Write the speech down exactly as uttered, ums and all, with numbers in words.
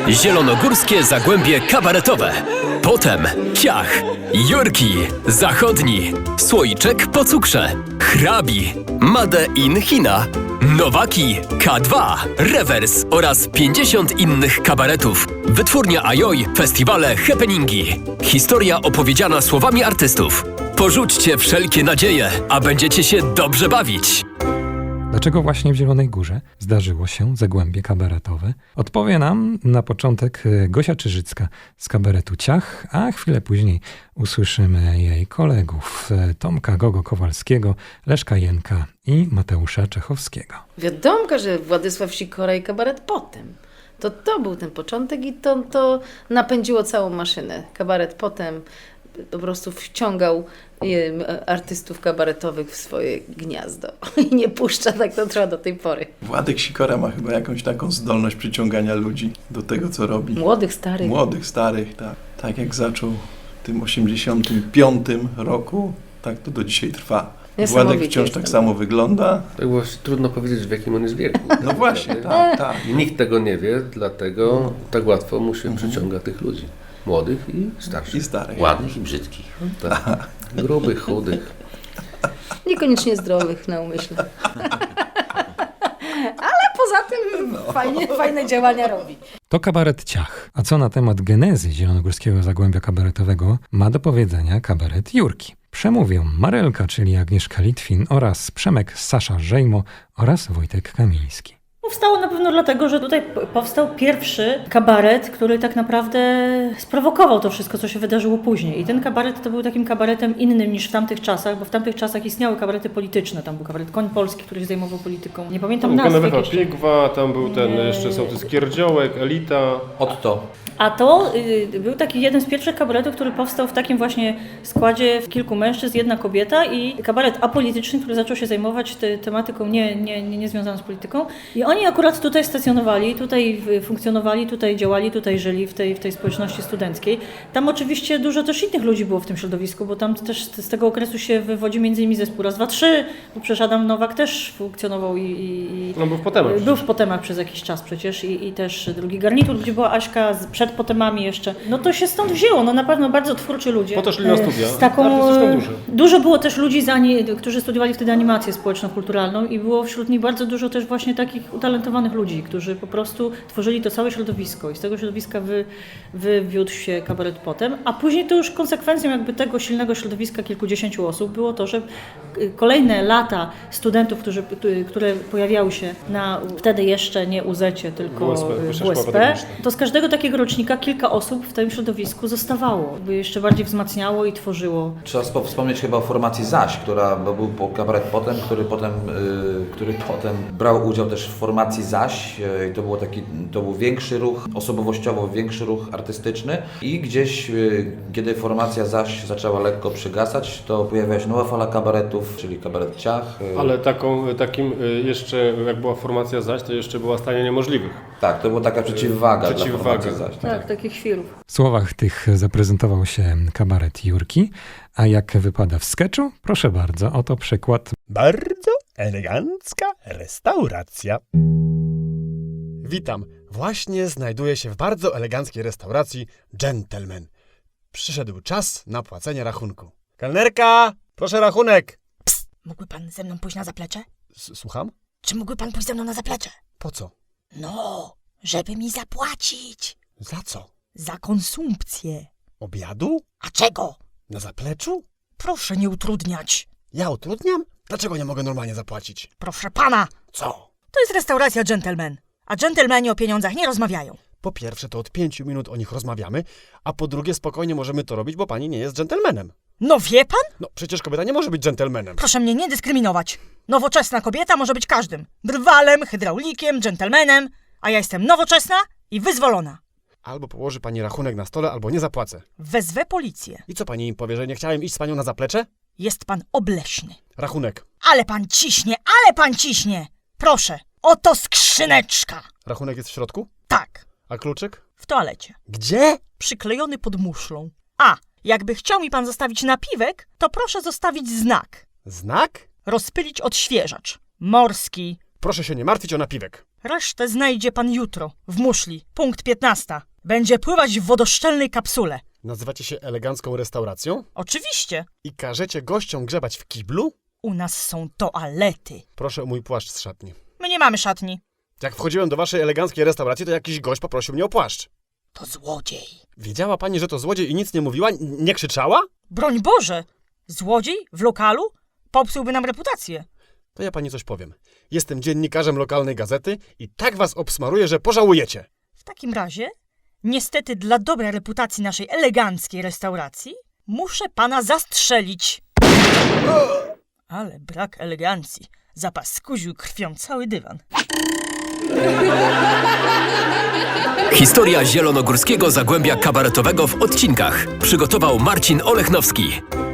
Zielonogórskie Zagłębie Kabaretowe. Potem Ciach, Jurki, Zachodni, Słoiczek po cukrze, Hrabi, Made in China, Nowaki, K dwa, Rewers oraz pięćdziesiąt innych kabaretów. Wytwórnia Ajoj, festiwale, happeningi. Historia opowiedziana słowami artystów. Porzućcie wszelkie nadzieje, a będziecie się dobrze bawić. Dlaczego właśnie w Zielonej Górze zdarzyło się Zagłębie Kabaretowe? Odpowie nam na początek Gosia Czyżycka z kabaretu Ciach, a chwilę później usłyszymy jej kolegów Tomka Gogo-Kowalskiego, Leszka Jenka i Mateusza Czechowskiego. Wiadomo, że Władysław Sikora i kabaret potem. To to był ten początek i to, to napędziło całą maszynę. Kabaret potem po prostu wciągał artystów kabaretowych w swoje gniazdo i nie puszcza, tak to trwa do tej pory. Władek Sikora ma chyba jakąś taką zdolność przyciągania ludzi do tego, co robi. Młodych, starych. Młodych, starych, tak. Tak jak zaczął w tym osiemdziesiątym piątym roku, tak to do dzisiaj trwa. Władek wciąż tak samo wygląda. Tak właśnie trudno powiedzieć, w jakim on jest wieku. No właśnie, tak, tak. I nikt tego nie wie, dlatego tak łatwo mu się przyciąga tych ludzi. Młodych i starszych. I starych. Ładnych i brzydkich. Tak. Grubych, chudych. Niekoniecznie zdrowych na umyśle. Ale poza tym fajnie, fajne działania robi. To kabaret Ciach. A co na temat genezy Zielonogórskiego Zagłębia Kabaretowego ma do powiedzenia kabaret Jurki. Przemówią Marelka, czyli Agnieszka Litwin oraz Przemek Sasza Żejmo oraz Wojtek Kamiński. Powstało na pewno dlatego, że tutaj powstał pierwszy kabaret, który tak naprawdę sprowokował to wszystko, co się wydarzyło później. I ten kabaret to był takim kabaretem innym niż w tamtych czasach, bo w tamtych czasach istniały kabarety polityczne. Tam był kabaret Koń Polski, który się zajmował polityką. Nie pamiętam nazwy. Tam był Pigwa, tam był ten jeszcze sołtys Kierdziołek, Elita. Otto. A to y, był taki jeden z pierwszych kabaretów, który powstał w takim właśnie składzie kilku mężczyzn, jedna kobieta i kabaret apolityczny, który zaczął się zajmować te, tematyką nie, nie, nie, nie związaną z polityką. I oni akurat tutaj stacjonowali, tutaj funkcjonowali, tutaj działali, tutaj żyli w tej, w tej społeczności studenckiej. Tam oczywiście dużo też innych ludzi było w tym środowisku, bo tam też z tego okresu się wywodzi między innymi zespół Raz, Dwa, Trzy, bo przecież Adam Nowak też funkcjonował i... i no był w Potemach. Był w Potemach przez jakiś czas przecież i, i też drugi garnitur, gdzie była Aśka z, przed Potemami jeszcze. No to się stąd wzięło, no na pewno bardzo twórczy ludzie. Po to szli na studia. Z taką, dużo. dużo było też ludzi, z ani, którzy studiowali wtedy animację społeczno-kulturalną i było wśród nich bardzo dużo też właśnie takich utalentowanych ludzi, którzy po prostu tworzyli to całe środowisko i z tego środowiska wy, wywiódł się kabaret potem, a później to już konsekwencją jakby tego silnego środowiska kilkudziesięciu osób było to, że kolejne lata studentów, którzy, które pojawiały się na wtedy jeszcze nie U Z E-cie, tylko W U S P, W U S P, to z każdego takiego rocznika kilka osób w tym środowisku zostawało, by jeszcze bardziej wzmacniało i tworzyło. Trzeba wspomnieć chyba o formacji Zaś, która bo był po kabaret potem, który potem, yy, który potem brał udział też w formacji Zaś. Yy, to, było taki, to był większy ruch, osobowościowo większy ruch artystyczny i gdzieś, yy, kiedy formacja Zaś zaczęła lekko przygasać, to pojawiła się nowa fala kabaretów, czyli kabaret Ciach. Yy. Ale taką, takim jeszcze, jak była formacja Zaś, to jeszcze była Stanie Niemożliwych. Tak, to była taka przeciwwaga, yy, przeciwwaga. dla formacji Zaś. Tak, tak, takich chwilów. W słowach tych zaprezentował się kabaret Jurki, a jak wypada w sketchu? Proszę bardzo, oto przykład. Bardzo elegancka restauracja. Witam. Właśnie znajduję się w bardzo eleganckiej restauracji Gentleman. Przyszedł czas na płacenie rachunku. Kelnerka, proszę rachunek. Psst, mógłby pan ze mną pójść na zaplecze? S- Słucham? Czy mógłby pan pójść ze mną na zaplecze? Po co? No, żeby mi zapłacić. Za co? Za konsumpcję. Obiadu? A czego? Na zapleczu? Proszę nie utrudniać. Ja utrudniam? Dlaczego nie mogę normalnie zapłacić? Proszę pana, Co? to jest restauracja Gentleman, a dżentelmeni o pieniądzach nie rozmawiają. Po pierwsze, to od pięciu minut o nich rozmawiamy, a po drugie, spokojnie możemy to robić, bo pani nie jest dżentelmenem. No wie pan? No, przecież kobieta nie może być dżentelmenem. Proszę mnie nie dyskryminować. Nowoczesna kobieta może być każdym. Drwalem, hydraulikiem, dżentelmenem, a ja jestem nowoczesna i wyzwolona. Albo położy pani rachunek na stole, albo nie zapłacę. Wezwę policję. I co pani im powie, że nie chciałem iść z panią na zaplecze? Jest pan obleśny. Rachunek. Ale pan ciśnie, ale pan ciśnie! Proszę, oto skrzyneczka. Rachunek jest w środku? Tak, A kluczyk? w toalecie. Gdzie? Przyklejony pod muszlą. A, jakby chciał mi pan zostawić napiwek, to proszę zostawić znak. Znak? Rozpylić odświeżacz. Morski, Proszę się nie martwić o napiwek. Resztę znajdzie pan jutro, w muszli, punkt piętnasta. Będzie pływać w wodoszczelnej kapsule. Nazywacie się elegancką restauracją? Oczywiście. I każecie gościom grzebać w kiblu? U nas są toalety. Proszę o mój płaszcz z szatni. My nie mamy szatni. Jak wchodziłem do waszej eleganckiej restauracji, to jakiś gość poprosił mnie o płaszcz. To złodziej. Wiedziała pani, że to złodziej i nic nie mówiła? N- nie krzyczała? Broń Boże! Złodziej? W lokalu? Popsułby nam reputację. To ja pani coś powiem. Jestem dziennikarzem lokalnej gazety i tak was obsmaruję, że pożałujecie. W takim razie, niestety dla dobrej reputacji naszej eleganckiej restauracji, muszę pana zastrzelić. Ale brak elegancji. Zapaskuził krwią cały dywan. Historia zielonogórskiego zagłębia kabaretowego w odcinkach przygotował Marcin Olechnowski.